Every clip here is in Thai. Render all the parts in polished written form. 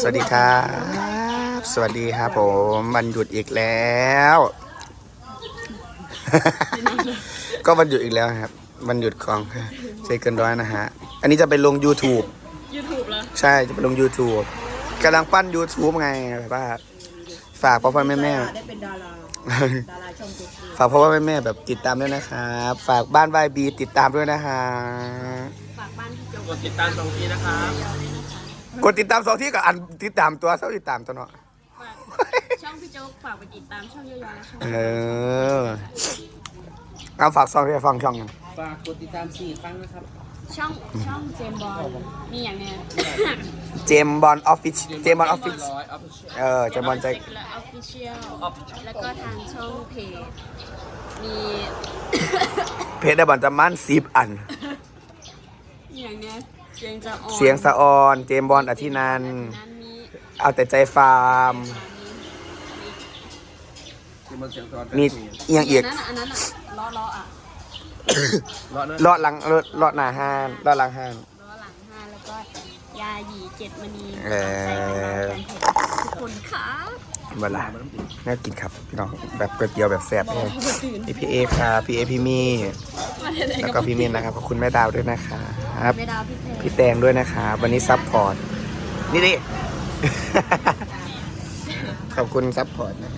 สวัสดีครับสวัสดีครับผมวันหยุดอีกแล้ว ก็วันหยุดอีกแล้วครับวันหยุดของเซเกินร้อยนะฮะอันนี้จะไปลง YouTube เหรอใช่จะไปลง YouTube กำลังปั้น YouTube ไงแบบว่าฝากพ่อพ่อแม่แม่ได้เป็นดาราช่องตัวฝากพ่อพ่อแม่แม่แบบติดตามด้วยนะครับฝากบ้านวายบีติดตามด้วยนะฮะฝากบ้านพี่โจกดติดตาม2 ทีนะครับกดติดตาม2 ที่กับอันติดตามตัวเท่าติดตามตัวเนาะฝากช่องพี่โจ๊กฝากไปติดตามช่องย่อยๆและช่องเอาฝากซองที่ฟังช่องกันฝากกดติดตาม4 ครั้งนะครับช่องเจมส์บอลมีอย่างเนี้ยเจมบอลออฟฟิศเจมบอลออฟฟิศ 100 Official เจมบอลใจและออฟฟิเชียลแล้วก็ทางช่องเพจมีเพจได้บอลจะมั่น10 อันอย่างเนี้ยเสียงจะอ่อนเสียงสะออนเจมบอลอธินันท์นั้นมีเอาแต่ใจฟาร์มที่มันเสียงตอนมีเอียงอีกอันนั้นอ่ะล้ออ่ะรอดนะเลาะหลังเลาะหน้าห้านเลาะหลังห้านล้อหลัง5แล้วก็ยาหยี7มณีเออใจกันมาแฟนเพจทุกคนค่ะเวลาน่ากินครับพี่น้องแบบก๋วยเตี๋ยวแบบแซ่บเลยพี่เอครับพี่เอพี่มี่แล้วก็พี่มินนะครับขอบคุณแม่ดาวด้วยนะครับไม่ดาวพี่เพจพี่แตงด้วยนะครับวันนี้ซัพพอร์ตนี่ดิ ขอบคุณซัพพอร์ตนะ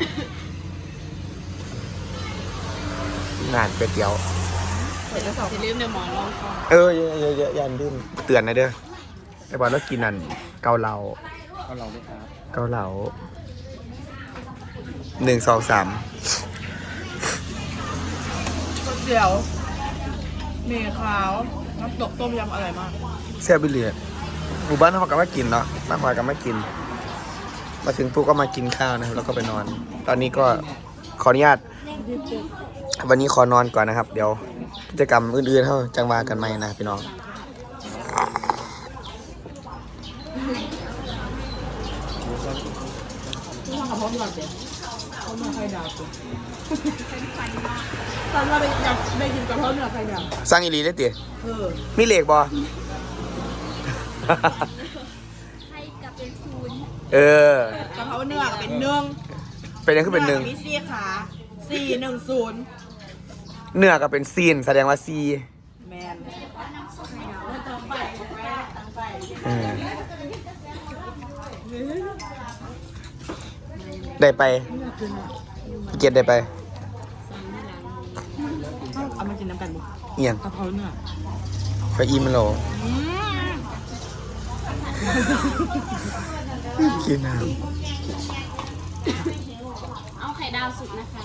งานก๋วยเตี๋ยวอย่าลืมเดี๋ยวหมอลองก่อนเยอะยันดิ้นเตือนนะเด้อไอ้บอลแล้วกินนั่นเกาเหลาเอาเราไหมครับเกาเหลา1 2 3 เดี๋ยวเมย์ขาวน้ำตกต้มยำอร่อยมากแซ่บไปเลยหมู่บ้านเขาก็ไม่กินเนาะบ้านเขาก็ไม่กิน มาถึงปุ๊บก็มากินข้าวนะครับแล้วก็ไปนอน ตอนนี้ก็ขออนุญาตวันนี้ขอนอนก่อนนะครับ เดี๋ยวกิจกรรมอื่นๆเท่าจังหวะกันไหมนะพี่น้องนี่ทำกับพ่อพี่ก่อนเดี๋ยวเขาเนื้อไข่ดาวตัวตอนเราอยากได้กินกับพ่อเนื้อไข่ดาวสร้างอีหลีได้ติ มีเหล็กบอให้กลับเป็นศูนย์เออกะเพราเนื้อก็เป็น1 เป็นยังคือเป็นหนึ่งมี4 ขา410 เนื้อก็เป็นซีนแสดงว่าซีแมนเออได้ไปพี่เกียรติได้ไปเอามากินน้ำกันดิเอียงกะเพราเนื้อไปอีมันโหลกินน้เอาไข่ดาวสุกนะคะ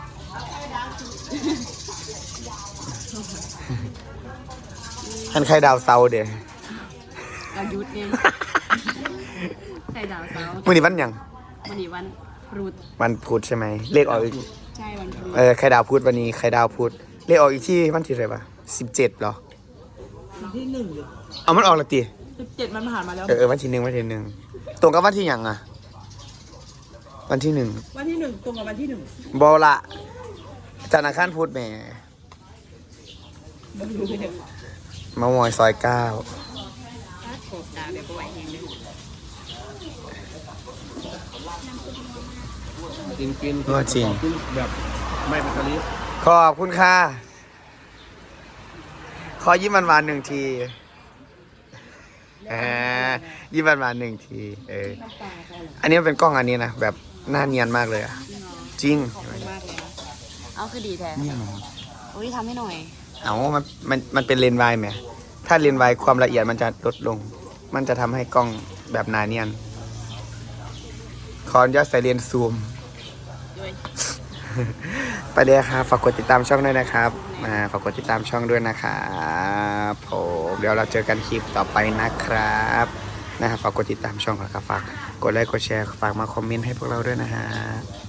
ำหันไข่ดาวเซาเดี๋ยวอายุทธ์เนี่ยไข่ดาวเสาร์มื่อนี้วันหยังวันนี้วันรูดวันพุธใช่ไหมเลขออกอีกใช่วันรูดไข่ดาวพุธวันนี้ไข่ดาวพุธเลขออกอีกที่วันที่เท่าไหร่ปะ17เหรอวันที่1เลยเอามันออกและตี 17มันผ่านมาแล้ววันที่1วันที่1ตรงกับวันที่หยังอะวันที่1 วันที่1ตรงกับวันที่1 บอละจันทร์อังคารพุธแหมไม่รู้เลยเนี่ยมามอยซอย9 โขบดาวแบบไหวแห้งเลยจริงกินว่าจริงกินแบบไม่เป็นกะลิขอบคุณค่ะขอยิ้มหวานๆ1 ทียิ้มหวานๆ1 ทีอันนี้มันเป็นกล้องอันนี้นะแบบหน้าเนียนมากเลยอะจริงเอาคือดีแท้เนี่ยมันอุ้ยทำให้หน่อยเอามันเป็นเลนส์วายไหมถ้าเลนส์วายความละเอียดมันจะลดลง มันจะทำให้กล้องแบบหนาเนียนขออนุญาตใส่เลนส์ซูมด้วยไปเลยครับฝากกดติดตามช่องด้วยนะครับฝากกดติดตามช่องด้วยนะครับผมเดี๋ยวเราเจอกันคลิปต่อไปนะครับฝากกดติดตามช่องครับฝากกดไลค์กดแชร์ฝากมาคอมเมนต์ให้พวกเราด้วยนะฮะ